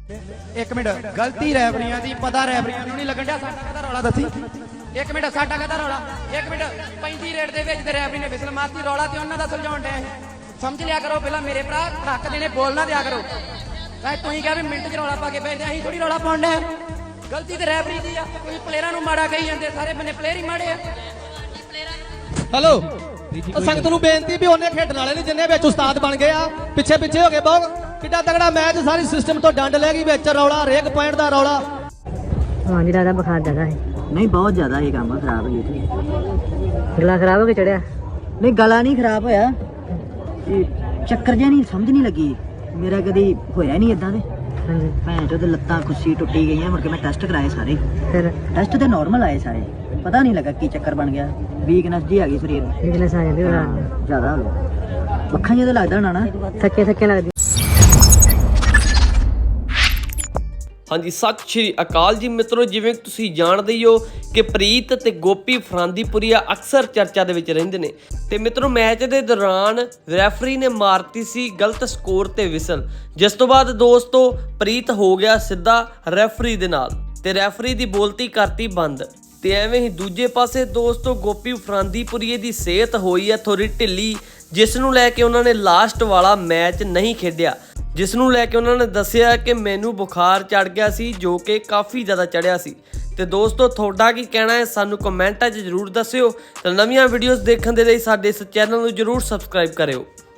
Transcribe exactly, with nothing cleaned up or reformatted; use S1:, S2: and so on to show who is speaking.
S1: एक मिनट गलती रैफरियां दी पता रैफरियां नूं नहीं लगन दिया साडा कहदा रौला दसी एक मिनट साडा कहदा रौला एक मिनट पैंती रेट दे विच ते रैफरी ने विसल मारती रौला ते उन्हां दा सुलझाउण डे समझ लिया करो पहला मेरे भरा हक देने बोलना दिया करो भाई तुसीं कह भी मिंट च रौला पा के भेजदे असीं थोड़ी रौला पाउण डे गलती ते रैफरी दी आ कोई प्लेयरां नूं माड़ा कही जांदे सारे बन्ने प्लेयर ही माड़े आ
S2: हेलो संगत नूं बेनती भी उन्हें खेडण वाले नहीं जिन्ने विच उस्ताद बन गए आ पिछे पिछे हो गए बहुत किड्डा तगड़ा मैच सारी सिस्टम तो डंड ले गई विच रौला हरेक पॉइंट दा रौला
S3: हाँ जी दादा बुखार ज्यादा है
S4: नहीं बहुत ज्यादा ये काम खराब है ये
S3: गला खराब हो के चढ़िया
S4: नहीं गला नहीं खराब होया ये चक्कर जिहा नहीं समझ नहीं लगी मेरा कदी होया नहीं इदां दे
S3: हाँ जी
S4: भैन चो ते लत्तां खुस्सी टुट्टी गई मुड़ के मैं टेस्ट कराए सारे
S3: फिर
S4: टेस्ट ते नॉर्मल आए सारे पता नहीं लगा की चक्कर बन गया वीकनेस जी आ गई शरीर में
S3: वीकनेस आ जाती है
S4: ज्यादा हो गया अखां जिहा लगदा होना ना
S3: थके थके लगदी
S5: ਹਾਂਜੀ ਸਤਿ ਸ਼੍ਰੀ ਅਕਾਲ ਜੀ ਮਿੱਤਰੋ ਜਿਵੇਂ ਕਿ ਤੁਸੀਂ ਜਾਣਦੇ ਹੀ ਹੋ ਕਿ ਪ੍ਰੀਤ ਤੇ ਗੋਪੀ ਫਰਾਂਦੀਪੁਰੀਆ ਅਕਸਰ ਚਰਚਾ ਦੇ ਵਿੱਚ ਰਹਿੰਦੇ ਨੇ ਤੇ ਮਿੱਤਰੋ ਮੈਚ ਦੇ ਦੌਰਾਨ ਰੈਫਰੀ ਨੇ ਮਾਰਤੀ ਸੀ ਗਲਤ ਸਕੋਰ ਤੇ ਵਿਸਲ ਜਿਸ ਤੋਂ ਬਾਅਦ ਦੋਸਤੋ ਪ੍ਰੀਤ ਹੋ ਗਿਆ ਸਿੱਧਾ ਰੈਫਰੀ ਦੇ ਨਾਲ ਤੇ ਰੈਫਰੀ ਦੀ ਬੋਲਤੀ ਕਰਤੀ ਬੰਦ ਤੇ ਐਵੇਂ ਹੀ ਦੂਜੇ ਪਾਸੇ ਦੋਸਤੋ ਗੋਪੀ ਫਰਾਂਦੀਪੁਰੀਏ ਦੀ ਸਿਹਤ ਹੋਈ ਹੈ ਥੋੜੀ ਢਿੱਲੀ ਜਿਸ ਨੂੰ ਲੈ ਕੇ ਉਹਨਾਂ ਨੇ ਲਾਸਟ ਵਾਲਾ ਮੈਚ ਨਹੀਂ ਖੇਡਿਆ ਜਿਸ ਨੂੰ ਲੈ ਕੇ ਉਹਨਾਂ ਨੇ ਦੱਸਿਆ ਕਿ ਮੈਨੂੰ ਬੁਖਾਰ ਚੜ ਗਿਆ ਸੀ ਜੋ ਕਿ ਕਾਫੀ ਜ਼ਿਆਦਾ ਚੜਿਆ ਸੀ ਤੇ ਦੋਸਤੋ ਤੁਹਾਡਾ ਕੀ ਕਹਿਣਾ ਹੈ ਸਾਨੂੰ ਕਮੈਂਟਾਂ 'ਚ ਜ਼ਰੂਰ ਦੱਸਿਓ ਤੇ ਨਵੀਆਂ ਵੀਡੀਓਜ਼ ਦੇਖਣ ਦੇ ਲਈ ਸਾਡੇ ਇਸ ਚੈਨਲ ਨੂੰ ਜ਼ਰੂਰ ਸਬਸਕ੍ਰਾਈਬ ਕਰਿਓ।